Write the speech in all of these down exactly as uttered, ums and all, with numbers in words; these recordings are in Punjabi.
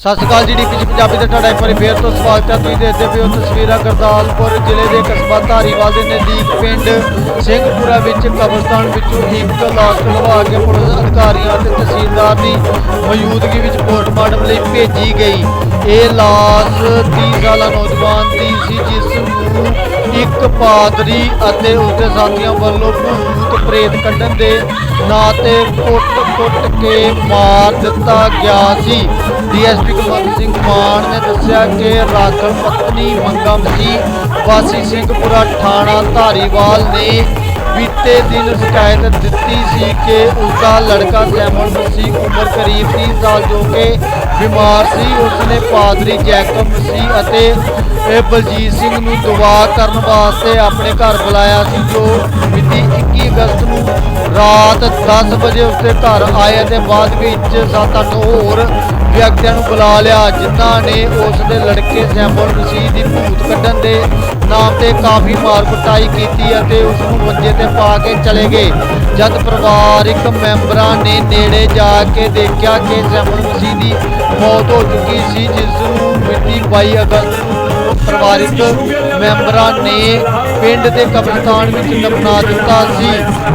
ਸਤਿ ਸ਼੍ਰੀ ਅਕਾਲ ਜੀ, ਡੀ ਪੀ ਜੀ ਪੰਜਾਬੀ ਤੇ ਤੁਹਾਡਾ ਇੱਕ ਵਾਰੀ ਫੇਰ ਤੋਂ ਸਵਾਗਤ ਹੈ। ਤੁਸੀਂ ਦੇਖਦੇ ਪਏ ਹੋ ਤਸਵੀਰਾਂ ਗੁਰਦਾਸਪੁਰ ਜ਼ਿਲ੍ਹੇ ਦੇ ਕਸਬਾ ਧਾਰੀਵਾਲ ਦੇ ਨਜ਼ਦੀਕ ਪਿੰਡ ਸਿੰਘਪੁਰਾ ਵਿੱਚ ਕਬਰਸਤਾਨ ਵਿੱਚੋਂ ਇੱਕ ਲਾਸ਼ ਲਵਾ ਕੇ ਪੁਲਿਸ ਅਧਿਕਾਰੀਆਂ ਅਤੇ ਤਹਿਸੀਲਦਾਰ ਦੀ ਮੌਜੂਦਗੀ ਵਿੱਚ ਪੋਸਟਮਾਰਟਮ ਲਈ ਭੇਜੀ ਗਈ। ਇਹ ਲਾਸ਼ ਤੀਹ ਸਾਲਾ ਨੌਜਵਾਨ ਦੀ ਸੀ, ਜਿਸ ਨੂੰ ਇੱਕ ਪਾਦਰੀ ਅਤੇ ਉਸਦੇ ਸਾਥੀਆਂ ਵੱਲੋਂ ਭੂਤ ਪ੍ਰੇਤ ਕੱਢਣ ਦੇ ਨਾਂ ਤੇ ਕੁੱਟ-ਕੁੱਟ ਕੇ ਮਾਰ ਦਿੱਤਾ ਗਿਆ ਸੀ। D S P Kulwant Singh Mann ਨੇ ਦੱਸਿਆ ਕਿ ਰਾਖਲ ਪਤਨੀ ਮੰਗਾ ਮਸੀਹ ਵਾਸੀ ਸਿੰਘਪੁਰਾ ਥਾਣਾ ਧਾਰੀਵਾਲ ਨੇ ਬੀਤੇ ਦਿਨ ਸ਼ਿਕਾਇਤ ਦਿੱਤੀ ਸੀ ਕਿ ਉਸਦਾ ਲੜਕਾ ਸੈਮਨ ਮਸੀਹ ਉਮਰ ਕਰੀਬ ਤੀਹ ਸਾਲ ਜੋ ਕਿ ਬਿਮਾਰ ਸੀ, ਉਸਨੇ ਪਾਦਰੀ ਜੈਕਬ ਮਸੀਹ ਅਤੇ ਬਲਜੀਤ ਸਿੰਘ ਨੂੰ ਦੁਆ ਕਰਨ ਵਾਸਤੇ ਆਪਣੇ ਘਰ ਬੁਲਾਇਆ ਸੀ, ਜੋ ਮਿਤੀ ਇੱਕੀ ਅਗਸਤ ਨੂੰ ਰਾਤ ਦਸ ਵਜੇ ਉਸਦੇ ਘਰ ਆਏ ਅਤੇ ਬਾਅਦ ਵਿੱਚ ਸੱਤ ਅੱਠ ਹੋਰ ਵਿਅਕਤੀਆਂ ਨੂੰ ਬੁਲਾ ਲਿਆ, ਜਿਨ੍ਹਾਂ ਨੇ ਉਸ ਦੇ ਲੜਕੇ ਸੈਮਨ ਮਸੀਹ ਦੀ ਭੂਤ ਕੱਢਣ ਦੇ ਨਾਮ ਤੇ ਕਾਫੀ ਮਾਰ ਕੁਟਾਈ ਕੀਤੀ ਅਤੇ ਉਸ ਨੂੰ ਮੰਜੇ ਤੇ ਪਾ ਕੇ ਚਲੇ ਗਏ। ਜਦ ਪਰਿਵਾਰਿਕ ਮੈਂਬਰਾਂ ਨੇ ਨੇੜੇ ਜਾ ਕੇ ਦੇਖਿਆ ਕਿ ਸੈਮਨ ਮਸੀਹ ਦੀ ਮੌਤ ਹੋ ਚੁੱਕੀ ਸੀ, ਜਿਸ ਨੂੰ ਮਿਤੀ ਬਾਈ ਅਗਸਤ ਨੂੰ ਪਰਿਵਾਰਿਕ ਮੈਂਬਰਾਂ ਨੇ ਪਿੰਡ ਦੇ ਕਬਰਸਤਾਨ ਵਿੱਚ ਦਫਨਾ ਦਿੱਤਾ ਸੀ।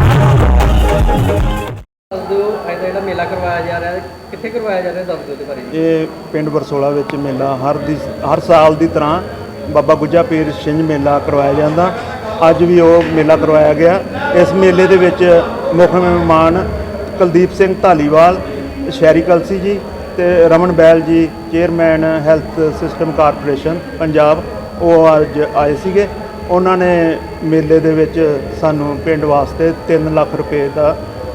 ਜਿਹੜਾ ਮੇਲਾ ਕਰਵਾਇਆ ਜਾ ਰਿਹਾ ਹੈ, ਕਿੱਥੇ ਕਰਵਾਇਆ ਜਾ ਰਿਹਾ, ਦੱਸ ਦਿਓ ਇਹਦੇ ਬਾਰੇ। ਇਹ ਪਿੰਡ ਬਰਸੋਲਾ ਵਿੱਚ ਮੇਲਾ ਹਰ ਦੀ ਹਰ ਸਾਲ ਦੀ ਤਰ੍ਹਾਂ ਬਾਬਾ ਗੁੱਜਾ ਪੀਰ ਛਿੰਝ ਮੇਲਾ ਕਰਵਾਇਆ ਜਾਂਦਾ। ਅੱਜ ਵੀ ਉਹ ਮੇਲਾ ਕਰਵਾਇਆ ਗਿਆ। ਇਸ ਮੇਲੇ ਦੇ ਵਿੱਚ ਮੁੱਖ ਮਹਿਮਾਨ ਕੁਲਦੀਪ ਸਿੰਘ ਧਾਲੀਵਾਲ, ਸ਼ਹਿਰੀ ਕਲਸੀ ਜੀ ਤੇ Raman Bahl ji, chairman health system corporation Punjab, ਉਹ ਅੱਜ ਆਏ ਸੀਗੇ। ਉਹਨਾਂ ਨੇ ਮੇਲੇ ਦੇ ਵਿੱਚ ਸਾਨੂੰ ਪਿੰਡ ਵਾਸਤੇ ਤਿੰਨ ਲੱਖ ਰੁਪਏ ਦਾ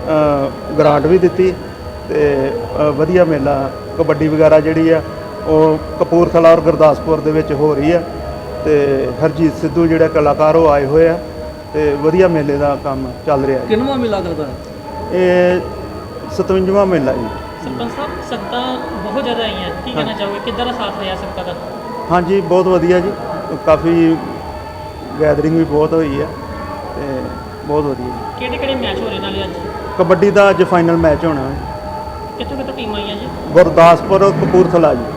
ਗ੍ਰਾਂਟ ਵੀ ਦਿੱਤੀ ਤੇ ਵਧੀਆ ਮੇਲਾ ਕਬੱਡੀ ਵਗੈਰਾ ਜਿਹੜੀ ਆ ਉਹ ਕਪੂਰਥਲਾ ਔਰ ਗੁਰਦਾਸਪੁਰ ਦੇ ਵਿੱਚ ਹੋ ਰਹੀ ਆ ਤੇ ਹਰਜੀਤ ਸਿੱਧੂ ਜਿਹੜੇ ਕਲਾਕਾਰ ਉਹ ਆਏ ਹੋਏ ਆ ਤੇ ਵਧੀਆ ਮੇਲੇ ਦਾ ਕੰਮ ਚੱਲ ਰਿਹਾ। ਕਿੰਨਵਾਂ ਮੇਲਾ ਕਰਦਾ ਹੈ ਇਹ ਸਤਵੰਜਵਾਂ ਮੇਲਾ ਜੀ। ਸਰਪੰਚ ਸਾਹਿਬ, ਸੰਗਤਾਂ ਬਹੁਤ ਜ਼ਿਆਦਾ ਆਈਆਂ, ਕੀ ਕਹਿਣਾ ਚਾਹੋਗੇ, ਕਿੱਦਾਂ ਦਾ ਸਾਥ ਰਿਹਾ ਸੰਗਤਾਂ ਦਾ? ਹਾਂਜੀ, ਬਹੁਤ ਵਧੀਆ ਜੀ, ਕਾਫੀ ਗੈਦਰਿੰਗ ਵੀ ਬਹੁਤ ਹੋਈ ਹੈ ਤੇ ਬਹੁਤ ਵਧੀਆ ਜੀ। ਕਿਹੜੇ ਕਿਹੜੇ ਮੈਚ ਹੋ ਰਹੇ ਨਾਲੇ ਅੱਜ? ਕਬੱਡੀ ਦਾ ਅੱਜ ਫਾਈਨਲ ਮੈਚ ਹੋਣਾ ਹੈ। ਕਿੱਥੋਂ ਕਿੱਥੋਂ ਟੀਮਾਂ ਆਈਆਂ ਜੀ? ਗੁਰਦਾਸਪੁਰ ਕਪੂਰਥਲਾ ਜੀ।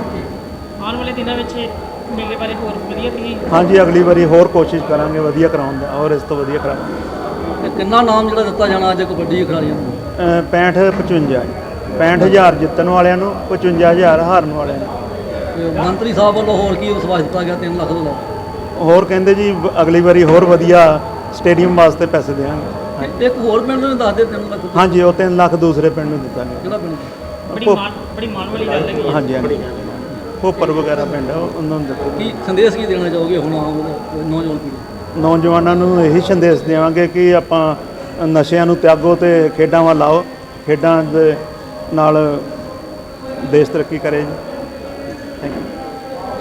ਆਉਣ ਵਾਲੇ ਦਿਨਾਂ ਵਿੱਚ ਮੇਲੇ ਬਾਰੇ ਹੋਰ ਵਧੀਆ ਤੁਸੀਂ? ਹਾਂਜੀ, ਅਗਲੀ ਵਾਰੀ ਹੋਰ ਕੋਸ਼ਿਸ਼ ਕਰਾਂਗੇ ਵਧੀਆ ਕਰਾਉਣ ਦਾ, ਔਰ ਇਸ ਤੋਂ ਵਧੀਆ ਕਰਾਂਗੇ। ਕਿੰਨਾ ਨਾਮ ਜਿਹੜਾ ਦਿੱਤਾ ਜਾਣਾ ਅੱਜ ਕਬੱਡੀ ਖਿਡਾਰੀਆਂ ਨੂੰ? ਪੈਂਹਠ ਪਚਵੰਜਾ ਪੈਂਹਠ ਹਜ਼ਾਰ ਜਿੱਤਣ ਵਾਲਿਆਂ ਨੂੰ, ਪਚਵੰਜਾ ਹਜ਼ਾਰ ਹਾਰਨ ਵਾਲਿਆਂ ਨੂੰ। ਮੰਤਰੀ ਸਾਹਿਬ ਵੱਲੋਂ ਹੋਰ ਕੀ ਵਿਸ਼ਵਾਸ ਦਿੱਤਾ ਗਿਆ? ਤਿੰਨ ਲੱਖ ਦਾ ਹੋਰ ਕਹਿੰਦੇ ਜੀ ਅਗਲੀ ਵਾਰੀ ਹੋਰ ਵਧੀਆ ਸਟੇਡੀਅਮ ਵਾਸਤੇ ਪੈਸੇ ਦੇਵਾਂਗੇ। ਇੱਕ ਹੋਰ ਪਿੰਡ ਨੂੰ ਦੱਸ ਦੇ ਤਿੰਨ ਲੱਖ। ਹਾਂਜੀ, ਉਹ ਤਿੰਨ ਲੱਖ ਦੂਸਰੇ ਪਿੰਡ ਨੂੰ ਦਿੱਤਾ ਗਿਆ। ਕਿਹੜਾ ਪਿੰਡ? ਬੜੀ ਮਾਣ ਬੜੀ ਮਾਣ ਵਾਲੀ ਗੱਲ ਹੈ। ਹਾਂਜੀ ਹਾਂਜੀ, ਭੋਪਰ ਵਗੈਰਾ ਪਿੰਡ ਆ, ਉਹਨਾਂ ਨੂੰ ਦਿੱਤਾ। ਕੀ ਸੰਦੇਸ਼ ਕੀ ਦੇਣਾ ਚਾਹੋਗੇ ਹੁਣ ਆਮ ਨੌਜਵਾਨ ਪੀੜ੍ਹੀ? ਨੌਜਵਾਨਾਂ ਨੂੰ ਇਹੀ ਸੰਦੇਸ਼ ਦੇਵਾਂਗੇ ਕਿ ਆਪਾਂ ਨਸ਼ਿਆਂ ਨੂੰ ਤਿਆਗੋ ਤੇ ਖੇਡਾਂ ਵੱਲ ਆਓ। ਖੇਡਾਂ ਦੇ ਨਾਲ ਦੇਸ਼ ਤਰੱਕੀ ਕਰੇ ਜੀ। Thank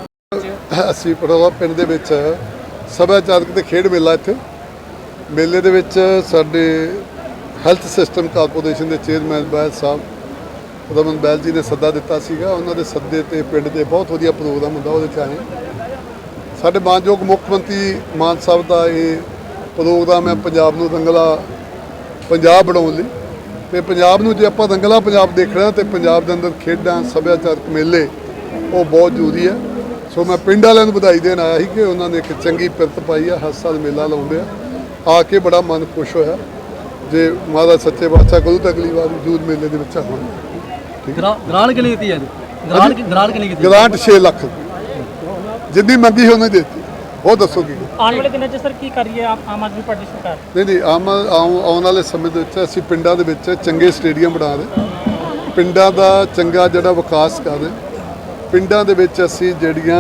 you. ਅਸੀਂ ਪਟੋਲਾ ਪਿੰਡ ਦੇ ਵਿੱਚ ਸੱਭਿਆਚਾਰਕ ਤੇ ਖੇਡ ਮੇਲਾ, ਇੱਥੇ ਮੇਲੇ ਦੇ ਵਿੱਚ ਸਾਡੇ ਹੈਲਥ ਸਿਸਟਮ ਕਾਰਪੋਰੇਸ਼ਨ ਦੇ ਚੇਅਰਮੈਨ ਬੈਲ ਸਾਹਿਬ ਰਮਨ ਬੈਲ ਜੀ ਨੇ ਸੱਦਾ ਦਿੱਤਾ ਸੀਗਾ। ਉਹਨਾਂ ਦੇ ਸੱਦੇ ਤੇ ਪਿੰਡ ਦੇ ਬਹੁਤ ਵਧੀਆ ਪ੍ਰੋਗਰਾਮ ਹੁੰਦਾ, ਉਹਦੇ 'ਚ ਆਏ। ਸਾਡੇ ਮਾਨਯੋਗ ਮੁੱਖ ਮੰਤਰੀ ਮਾਨ ਸਾਹਿਬ ਦਾ ਇਹ ਪ੍ਰੋਗਰਾਮ ਹੈ ਪੰਜਾਬ ਨੂੰ ਰੰਗਲਾ ਪੰਜਾਬ ਬਣਾਉਣ ਲਈ। ਅਤੇ ਪੰਜਾਬ ਨੂੰ ਜੇ ਆਪਾਂ ਰੰਗਲਾ ਪੰਜਾਬ ਦੇਖਣਾ ਤੇ ਪੰਜਾਬ ਦੇ ਅੰਦਰ ਖੇਡਾਂ, ਸੱਭਿਆਚਾਰਕ ਮੇਲੇ ਉਹ ਬਹੁਤ ਜ਼ਰੂਰੀ ਹੈ। ਸੋ ਮੈਂ ਪਿੰਡ ਵਾਲਿਆਂ ਨੂੰ ਵਧਾਈ ਦੇਣ ਆਇਆ ਸੀ ਕਿ ਉਹਨਾਂ ਨੇ ਇੱਕ ਚੰਗੀ ਪਿਰਤ ਪਾਈ ਆ, ਹਰ ਸਾਲ ਮੇਲਾ ਲਾਉਂਦੇ ਆ। ਆ ਕੇ ਬੜਾ ਮਨ ਖੁਸ਼ ਹੋਇਆ। ਜੇ ਮਹਾਰਾਜ ਸੱਚੇ ਬਾਦਸ਼ਾਹ ਕਰੂ ਤਾਂ ਅਗਲੀ ਵਾਰ ਜੂਨ ਮੇਲੇ ਦੇ ਵਿੱਚ ਆਵਾਂਗੇ। ਗ੍ਰਾਂਟ ਕਿੰਨੀ ਦਿੱਤੀ ਹੈ? ਗ੍ਰਾਂਟ ਗ੍ਰਾਂਟ ਕਿੰਨੀ ਕੀਤੀ? ਗ੍ਰਾਂਟ ਛੇ ਲੱਖ ਜਿੰਨੀ ਮੰਗੀ ਉਹਨੇ ਦਿੱਤੀ। ਉਹ ਦੱਸੋ ਕੀ ਆਉਣ ਵਾਲੇ ਦਿਨਾਂ 'ਚ ਸਰ ਕੀ ਕਰੀਏ ਆਮ ਆਦਮੀ ਪਾਰਟੀ ਸਰਕਾਰ? ਨਹੀਂ ਨਹੀਂ ਆਮ ਆਉਣ ਵਾਲੇ ਸਮੇਂ ਦੇ ਵਿੱਚ ਅਸੀਂ ਪਿੰਡਾਂ ਦੇ ਵਿੱਚ ਚੰਗੇ ਸਟੇਡੀਅਮ ਬਣਾ ਰਹੇ, ਪਿੰਡਾਂ ਦਾ ਚੰਗਾ ਜਿਹੜਾ ਵਿਕਾਸ ਕਰ ਰਹੇ। ਪਿੰਡਾਂ ਦੇ ਵਿੱਚ ਅਸੀਂ ਜਿਹੜੀਆਂ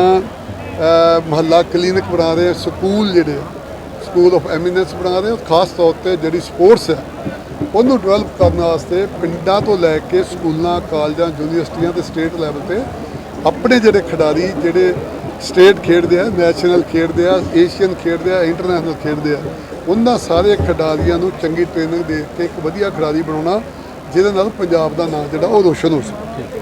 ਮੁਹੱਲਾ ਕਲੀਨਿਕ ਬਣਾ ਰਹੇ, ਸਕੂਲ ਜਿਹੜੇ ਸਕੂਲ ਆਫ ਐਮੀਨੈਂਸ ਬਣਾ ਰਹੇ। ਖਾਸ ਤੌਰ 'ਤੇ ਜਿਹੜੀ ਸਪੋਰਟਸ ਹੈ ਉਹਨੂੰ ਡਿਵੈਲਪ ਕਰਨ ਵਾਸਤੇ ਪਿੰਡਾਂ ਤੋਂ ਲੈ ਕੇ ਸਕੂਲਾਂ, ਕਾਲਜਾਂ, ਯੂਨੀਵਰਸਿਟੀਆਂ ਤੇ ਸਟੇਟ ਲੈਵਲ 'ਤੇ ਆਪਣੇ ਜਿਹੜੇ ਖਿਡਾਰੀ ਜਿਹੜੇ ਸਟੇਟ ਖੇਡਦੇ ਆ, ਨੈਸ਼ਨਲ ਖੇਡਦੇ ਆ, ਏਸ਼ੀਅਨ ਖੇਡਦੇ ਆ, ਇੰਟਰਨੈਸ਼ਨਲ ਖੇਡਦੇ ਆ, ਉਹਨਾਂ ਸਾਰੇ ਖਿਡਾਰੀਆਂ ਨੂੰ ਚੰਗੀ ਟ੍ਰੇਨਿੰਗ ਦੇ ਕੇ ਇੱਕ ਵਧੀਆ ਖਿਡਾਰੀ ਬਣਾਉਣਾ, ਜਿਹਦੇ ਨਾਲ ਪੰਜਾਬ ਦਾ ਨਾਮ ਜਿਹੜਾ ਉਹ ਰੋਸ਼ਨ ਹੋ ਸਕੇ।